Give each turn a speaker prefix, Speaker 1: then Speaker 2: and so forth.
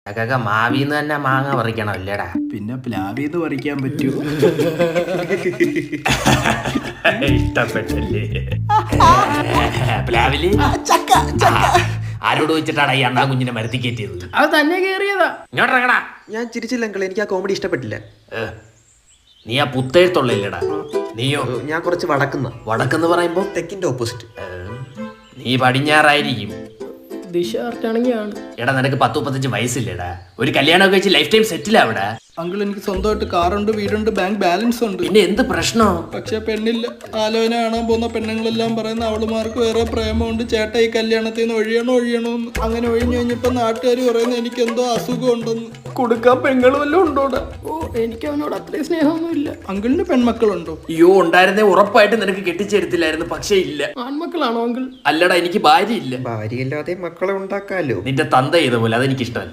Speaker 1: അതൊക്കെ മാവിന്ന് തന്നെ മാങ്ങ പറിക്കണം അല്ലേടാ.
Speaker 2: പിന്നെ പ്ലാവിന്ന് പറിക്കാൻ പറ്റുമോ?
Speaker 1: ഇഷ്ടപ്പെട്ടല്ലേ പ്ലാവില്? ആരോട് വെച്ചിട്ടാടാ ഈ അണ്ണാ കുഞ്ഞിനെ മരത്തി കയറ്റിയത്?
Speaker 2: അത് തന്നെ കേറിയതാ.
Speaker 1: ഇങ്ങോട്ടിറങ്ങടാ.
Speaker 3: ഞാൻ ചിരിച്ചില്ല അങ്കിൾ, എനിക്ക് ആ കോമഡി ഇഷ്ടപ്പെട്ടില്ല.
Speaker 1: നീ ആ പുത്തേഴ്ത്തുള്ളില്ലടാ. നീയോ?
Speaker 3: ഞാൻ കുറച്ച്
Speaker 1: വടക്കെന്ന് പറയുമ്പോ
Speaker 3: തെക്കിന്റെ ഓപ്പോസിറ്റ്.
Speaker 1: നീ പടിഞ്ഞാറായിരിക്കും.
Speaker 2: ദിശ കറക്റ്റാണെങ്കിലാണ്.
Speaker 1: എടാ നിനക്ക് 10-35 വയസ്സില്ലേടാ? ഒരു കല്യാണമൊക്കെ വെച്ച് ലൈഫ് ടൈം സെറ്റിൽ ആവിടാ.
Speaker 2: അങ്കിൾ എനിക്ക് സ്വന്തമായിട്ട് കാറുണ്ട്, വീടുണ്ട്, ബാങ്ക് ബാലൻസ് ഉണ്ട്.
Speaker 1: പിന്നെ എന്ത് പ്രശ്നോ?
Speaker 2: പക്ഷെ പെണ്ണില്ല. ആലോചന കാണാൻ പോകുന്ന പെണ്ണുങ്ങളെല്ലാം പറയുന്ന അവളുമാർക്ക് വേറെ പ്രേമമുണ്ട്, ചേട്ടാ ഈ കല്യാണത്തിൽ നിന്ന് ഒഴിയണോന്ന്. അങ്ങനെ ഒഴിഞ്ഞു കഴിഞ്ഞപ്പോ നാട്ടുകാർ പറയുന്നത് എനിക്ക് എന്തോ അസുഖം ഉണ്ടെന്ന്. കൊടുക്കാൻ പെങ്ങൾ വല്ലതും ഉണ്ടോടാ? ഓ എനിക്ക് അവനോട് അത്രയും സ്നേഹമൊന്നുമില്ല. അങ്കിളിന് പെൺമക്കളുണ്ടോ?
Speaker 1: അയ്യോ ഉണ്ടായിരുന്നേ ഉറപ്പായിട്ട് നിനക്ക് കെട്ടിച്ചെടുത്തില്ലായിരുന്നു. പക്ഷെ ഇല്ല.
Speaker 2: ആൺമക്കളാണോ അങ്കിൾ?
Speaker 1: അല്ലടാ, എനിക്ക് ഭാര്യ ഇല്ല.
Speaker 3: ഭാര്യയില്ലാതെ മക്കളെ ഉണ്ടാക്കാലോ.
Speaker 1: നിന്റെ തന്ത ചെയ്ത പോലെ, അതെനിക്കിഷ്ടമല്ല.